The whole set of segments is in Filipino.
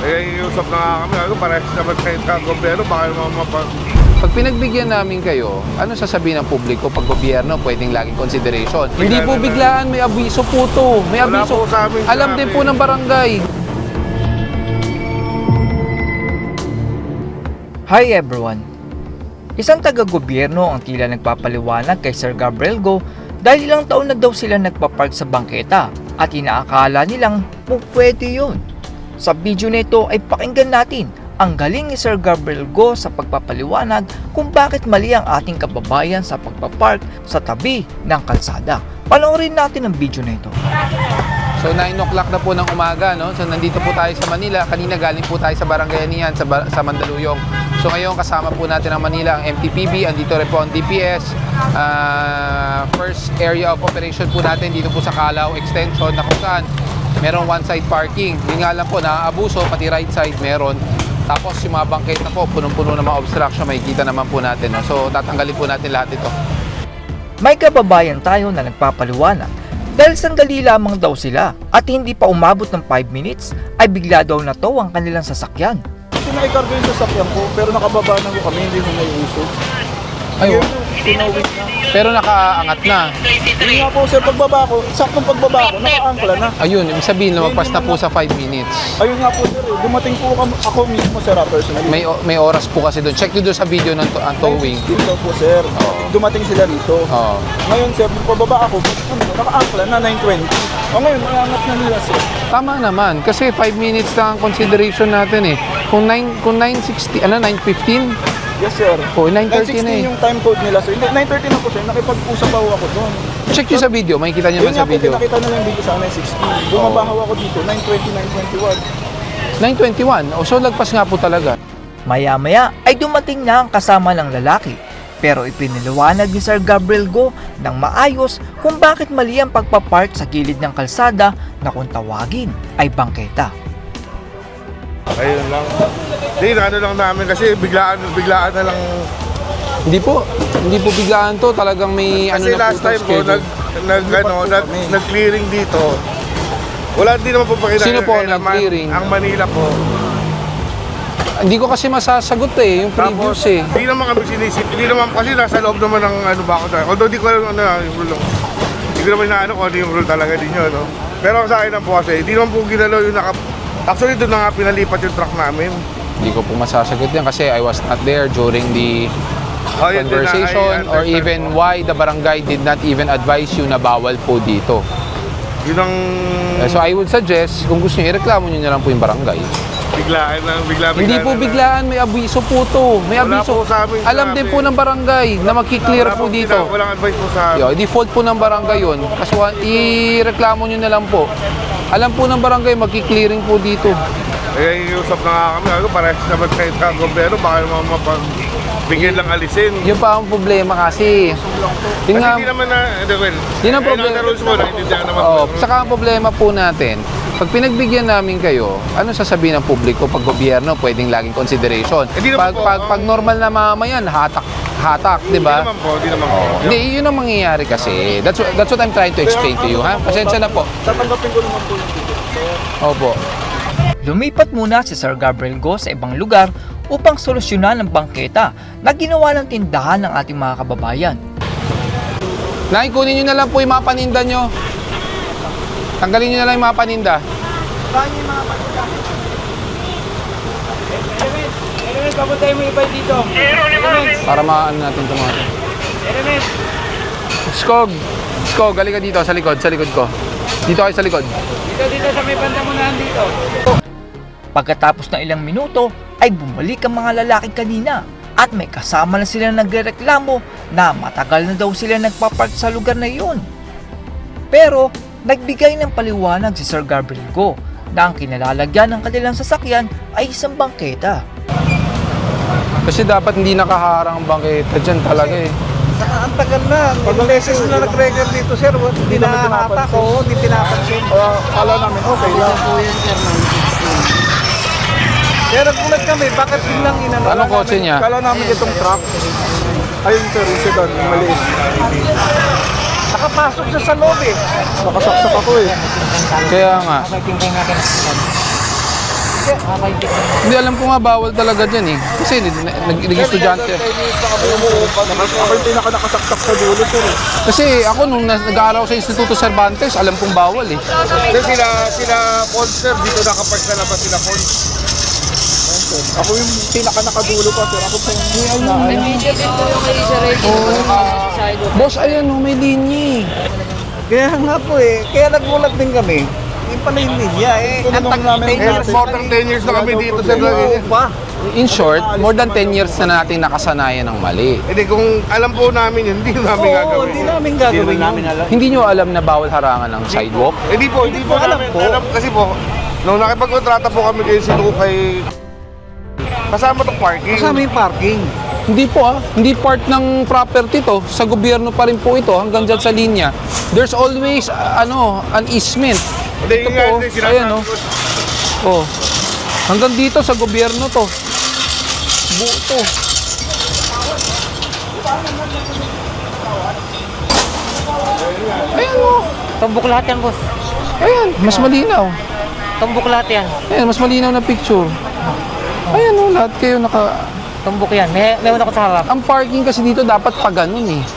iusap na nga kami. Ano, parehas naman kayo sa gobyerno. Baka naman Pag pinagbigyan namin kayo, ano sasabihin ng publiko pag gobyerno pwedeng laging consideration? Hindi po biglaan, may abiso po to. May Wala abiso. po sa amin Alam din po ng barangay. Hi everyone! Isang taga-gobyerno ang tila nagpapaliwanag kay Sir Gabriel Go dahil ilang taon na daw sila nagpapark sa bangketa at inaakala nilang pwede yun. Sa video nito ay pakinggan natin ang galing ni Sir Gabriel Go sa pagpapaliwanag kung bakit mali ang ating kababayan sa pagpapark sa tabi ng kalsada. Panoorin natin ang video na ito. So 9 o'clock na po ng umaga, no? So nandito po tayo sa Manila. Kanina galing po tayo sa Barangay Anian sa Mandaluyong. So ngayon kasama po natin ang Manila, ang MTPB, andito rin po ang DPS. First area of operation po natin dito po sa Calao Extension na kung saan merong one-side parking. Hindi nga lang po naaabuso, pati right side meron. Tapos yung mga bangketa po, punong-puno ng mga obstruction, makikita naman po natin. No? So tatanggalin po natin lahat ito. May kababayan tayo na nagpapaliwanag dahil sandali lamang daw sila at hindi pa umabot ng 5 minutes ay bigla daw na to ang kanilang sasakyan. Sinaikargo yung sasakyan ko, pero nakababa na ko kami, hindi mo may uso. Ayun. Sinawit na. Pero nakaangat na. Hindi nga po sir, pagbaba ko, saktong pagbaba ko, naka-angkla na. Ayun, ibig sabihin lumagpas na po sa 5 minutes. Ayun nga po sir, dumating po ako mismo sir, personally. May oras po kasi doon. Check nyo doon sa video ng towing. Dito po sir, dumating sila dito. Oo. Ngayon sir, pababa ako, naka-angkla na 9:20. O ngayon, maangat na nila sir. Tama naman kasi 5 minutes lang ang consideration natin eh. Kung 9:60, 9:15? Yes sir. Oh, 9:30 na eh. 9:16 yung time code nila sir. Hindi, 9:30 na po sir, nakipag-usap ako doon. Check nyo sa video, makikita nyo Yun naman nga sa po, video. pinakita nila yung video sa 9:16. Bumabahaw ako dito, 9:20, 9:21. 9:21. So lagpas nga po talaga. Maya-maya ay dumating na ang kasama ng lalaki. Pero ipiniliwanag ni Sir Gabriel Go ng maayos kung bakit mali ang pagpapark sa gilid ng kalsada na kung tawagin ay bangketa. Ayun lang. Hindi, ano lang namin kasi biglaan na lang. Hindi po biglaan to. Talagang may Kasi ano na last po time po, schedule. nag-clearing dito. Wala din naman po pakita. Sino po naman, nag-clearing? Ang Manila po. Hindi ko kasi masasagot eh, yung previous eh. Hindi naman kami sinisip. Hindi naman kasi nasa loob naman ng ano ba ako tayo. Although di ko alam yung rule. Hindi ko naman inaano kung ano yung rule talaga din yun. No? Pero sa akin lang po kasi, hindi naman po ginalaw yung Actually, doon na nga pinalipat yung truck namin. Hindi ko po masasagot yan kasi I was not there during the Yun din na, conversation I or understand even po. why the barangay did not even advise you na bawal po dito. Yun ang So I would suggest, kung gusto niyo, ireklamo niyo na lang po yung barangay. biglaan lang, Hindi po biglaan, may abiso po to. May Wala abiso. po sa amin Alam din po ng barangay na magki-clear po dito. Walang advice po sa Yo, default po ng barangay yun. Kasi ireklamo niyo na lang po. Alam po ng barangay, magki-clearing po dito. iusap na nga kami. Ano, parehas naman kayo sa gobyerno. Baka naman bigyan lang alisin. Yun pa ang problema kasi. Yun Kasi nga, hindi naman na, yun ang problema. rules mo, naintindihan naman. Saka ang problema po natin, pag pinagbigyan namin kayo, ano sasabihin ng publiko pag gobyerno pwedeng laging consideration? Hindi naman po, Pag normal na mamamayan, hatak, di ba? Hindi naman po. Hindi, yun ang mangyayari kasi. That's what I'm trying to explain to you, ha? Pasensya na po. Tatanggapin ko naman po yung ticket sir. Opo. Lumipat muna si Sir Gabriel Go sa ibang lugar upang solusyonan ang bangketa na ginawa ng tindahan ng ating mga kababayan. Nay, kunin nyo na lang po yung mga paninda nyo. Tanggalin nyo na lang yung mga paninda. Saan yung mga paninda? Elements, papuntay mo iba dito. Elements, Para maano natin ito mga ito. elements. Skog, halika dito sa likod ko. Dito kayo sa likod. Dito sa may banda mo na dito. Pagkatapos ng ilang minuto ay bumalik ang mga lalaki kanina at may kasama na sila nagrereklamo na matagal na daw sila nagpapark sa lugar na iyon. Pero nagbigay ng paliwanag si Sir Gabriel Go na ang kinalalagyan ng kanilang sasakyan ay isang bangketa. Kasi dapat hindi nakaharang ang bangketa dyan talaga eh. Ang tagal na. Ilang beses na nag-record dito, sir. Hindi na hatak o hindi pinapansin. Kala namin, okay lang. Kaya nagulat kami, bakit biglang inano? Anong kotse niya? Kala namin itong truck. Ayun sir, yung sedan, yung maliit. Nakapasok siya sa loob eh. Nakasaksak ako eh. Kaya nga. Hindi, alam ko nga bawal talaga dyan eh. Kasi naging estudyante. Ako yung pinaka-nakasaksak sa dulo, sir. Kasi ako nung nag-aaral ako sa Instituto Cervantes, alam kong bawal eh. Kasi sila Monster, dito nakapark sa labas sila Cons. Ako yung pinaka-nakadulo pa, sir. Ako po yung Boss, ayan oh, may linya eh. Kaya nga po eh. Kaya nagulat din kami. Yung pala yung linya eh. Tinanong namin More than 10 years na kami dito sa Lagay. Pa. In short, more than 10 years na natin nakasanayan ng mali. Hindi, kung alam po namin yun, hindi namin Oo, gagawin. hindi namin gagawin yun. Hindi nyo alam na bawal harangan ng sidewalk? Hindi po alam namin. po. Alam, kasi po, nung nakipagkontrata po kami kayo si Lukay, kasama tong parking. Kasama yung parking. Hindi po ah. Hindi part ng property to. Sa gobyerno pa rin po ito hanggang dyan sa linya. There's always an easement. Hindi, Ito yun nga, po, hindi, ayan, sinasabi oh. ko. Oh. Hanggang dito sa gobyerno to. Buo to. Ayan oh. Tumbok lahat yan, boss. Ayan, mas malinaw. Tumbok lahat yan. Ayan, mas malinaw na picture. Ayan oh, lahat kayo naka... Tumbok yan. May una ko sa harap. Ang parking kasi dito dapat pa ganun eh.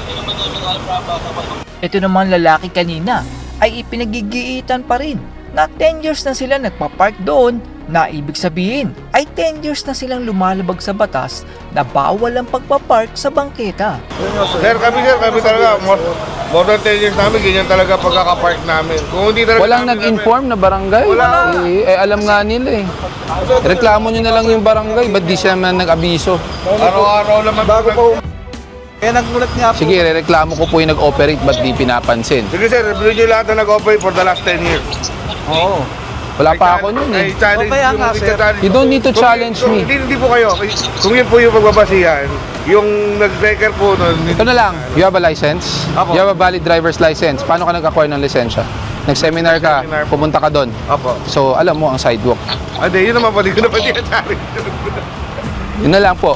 Ito naman lalaki kanina ay ipinagigiitan pa rin na 10 years na sila nagpapark doon, na ibig sabihin ay 10 years na silang lumalabag sa batas na bawal ang pagpapark sa bangketa. Sir, kami talaga, more than 10 years namin, ganyan talaga pagkakapark namin. Kung hindi talaga Walang namin- nag-inform na barangay. Wala. Alam nga nila eh. Reklamo nyo na lang yung barangay, ba't di siya man nag-abiso? Araw-araw naman. Bago pa Kaya nagulat nga po. Sige, reklamo ko po yung nag-operate, ba't di pinapansin? Sige sir, review nyo lahat na nag-operate for the last 10 years. Oo. Wala pa ako nun eh. Challenge, O kaya nga, sir. You don't need to challenge me. Hindi po kayo. Kung yun po yung pagbabasihan, yung nag-record po nun, Ito na lang, you have a license? Apo. You have a valid driver's license. Paano ka nag-acquire ng lisensya? Nag-seminar ka, Nag-seminar po. pumunta ka doon. Apo. So, alam mo ang sidewalk. Hindi, yun naman po, di ko na pa tinatari. Yun na lang po.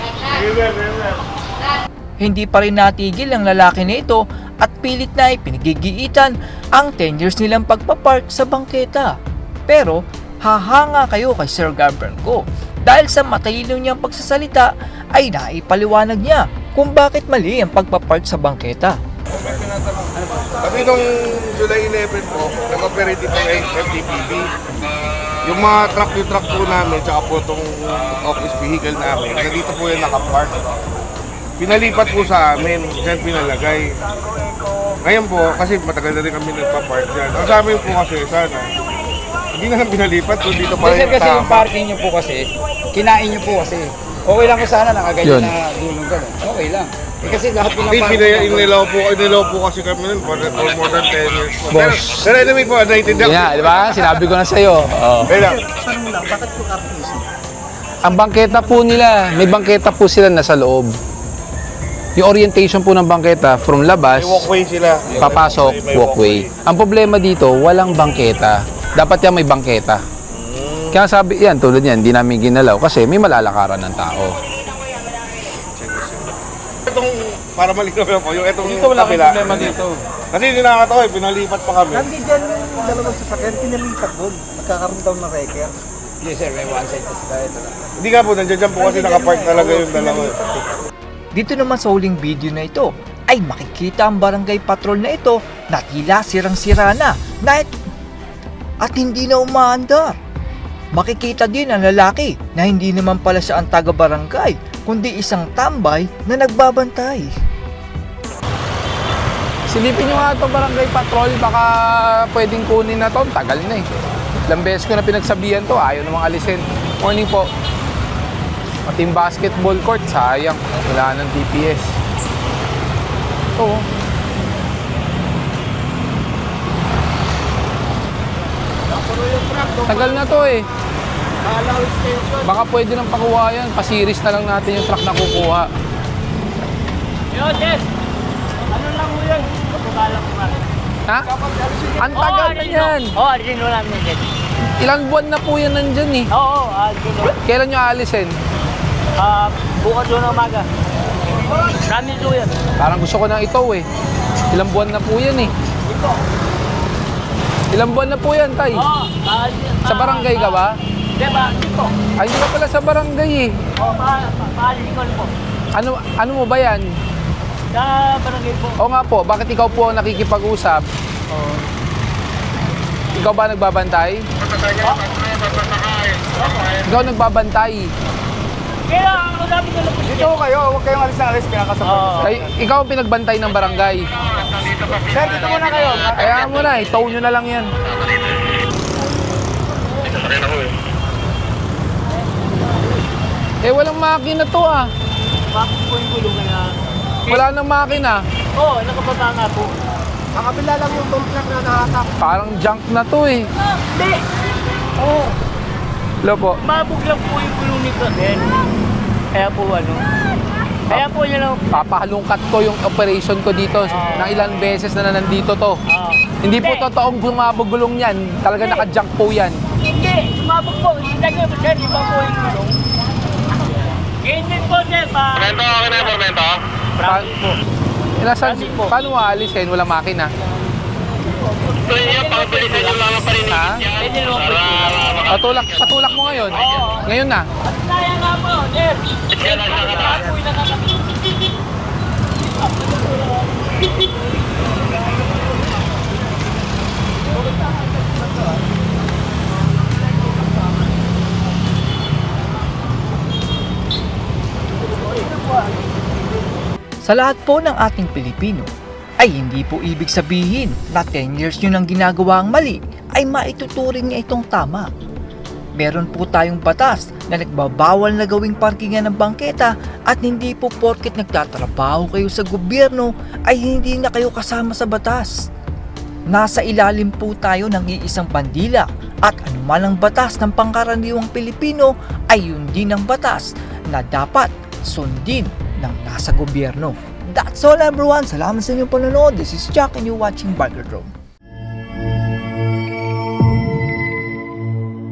Hindi pa rin natigil ang lalaki na ito at pilit na ipinagigiitan ang 10 years nilang pagpapark sa bangketa. Pero hahanga kayo kay Sir Gabriel Go dahil sa matalino niyang pagsasalita ay naipaliwanag niya kung bakit mali ang pagpapark sa bangketa. Kasi nung July 11 po, nag-operate dito ng FTPB. Yung mga truck po namin, tsaka po itong office vehicle namin, nandito po yung nakapark. Pinalipat po sa amin, dyan pinalagay. Ngayon po, kasi matagal na rin kami nagpa-park dyan. Ang sa amin po kasi, sana, hindi na lang pinalipat, kung dito pa rin Kasi yung tama. parking nyo po kasi, kinain nyo po kasi. Okay lang ko sana Yun. nakaganyan na dulong ka. Okay lang. Eh kasi lahat po ng Hindi, inilaw po kasi kami nun for more than 10 years po. Pero anyway po, naiintindihan Yan, ko. di ba? Sinabi ko na sa'yo. Oh. Kaya lang, Ang bangketa po nila, may bangketa po sila nasa loob. Yung orientation po ng bangketa from labas, may walkway sila. papasok, May walkway. Ang problema dito, walang bangketa. Dapat yan may bangketa. Kaya sabi, yan, tulad yan, hindi namin ginalaw kasi may malalakaran ng tao. Itong, para malinaw lang po, yung itong Dito wala kang kabila. problema dito. Kasi hindi nakakatawa eh, pinalipat pa kami. Hindi dyan yung dalawang sasakyan, pinalipat doon. Nagkakaroon daw ng record. Yes sir, may one side kasi tayo. Hindi nga po, nandiyan po kasi nakapark talaga yung dalawa. Dito naman sa huling video na ito ay makikita ang barangay patrol na ito na tila sirang-sira na at hindi na umaandar. Makikita din ang lalaki na hindi naman pala siya ang taga-barangay kundi isang tambay na nagbabantay. Silipin nyo nga itong barangay patrol, baka pwedeng kunin na to. Tagal na eh. Ilang beses ko na pinagsabihan to, ayaw namang alisin. Morning po. Pati yung basketball court, sayang. Wala ng DPS. Ito. Tagal na to eh. Baka pwede nang pakuha yan. Pasiris na lang natin yung truck na kukuha. Ha? Ang tagal na yan. Oo, alisin mo namin yan. Ilang buwan na po yan nandyan eh. Oo, alisin mo. Kailan nyo aalisin? Bukas doon ng umaga. Promise ko yan. Parang gusto ko na ito eh. Ilang buwan na po yan eh. Ilang buwan na po yan, Tay? Oo, alisin. Sa barangay ka ba? Di ba? Hindi po. Ay, hindi ka pala sa barangay eh. O, paalis ko po. Ano mo ba yan? Sa barangay po. O nga po, bakit ikaw po ang nakikipag-usap? Ikaw ba nagbabantay? Ikaw nagbabantay. Kaya ako dami ko lang po Dito kayo, huwag kayong alis, pinakasapag. Ikaw ang pinagbantay ng barangay. Sir, dito muna kayo. Kaya mo na, itow nyo na lang yan. Eh, walang makina to ah. Bakit po yung gulong na Wala nang makina. Oo, nakababa nga po. Ang kabila lang yung bump na nahatak. Parang junk na to eh. Hindi! Oo, Hello po. mabog lang po yung gulong nito. Then, kaya po ano. Kaya po yun lang. Papahalungkat ko yung operation ko dito ng ilang beses na nandito to. Hindi po totoong bumabog gulong yan. Talaga naka-junk po yan. Hindi, sumabog po. Hindi na kayo, sir, iba po yung gulong. Ganyan po, sir, pa. Pormento, okay na yung Pormento? Promise po. Nasaan, Kasi po. paano aalisin? Walang makina. So yun, pakapilisan yung mga parinig. Ha? Pwede naman po. Patulak mo ngayon. Ngayon na. At kaya nga po, sir. Sir, bakit nga po yung nakakapit? Sa lahat po ng ating Pilipino, ay hindi po ibig sabihin na 10 years nyo nang ginagawa ang mali ay maituturing niya itong tama. Meron po tayong batas na nagbabawal na gawing parkingan ng bangketa at hindi po porket nagtatrabaho kayo sa gobyerno ay hindi na kayo kasama sa batas. Nasa ilalim po tayo ng iisang bandila at anuman ang batas ng pangkaraniwang Pilipino ay yun din ang batas na dapat sundin ng nasa gobyerno. That's all everyone. Salamat sa inyong panonood. This is Jack and you're watching Burger Drone.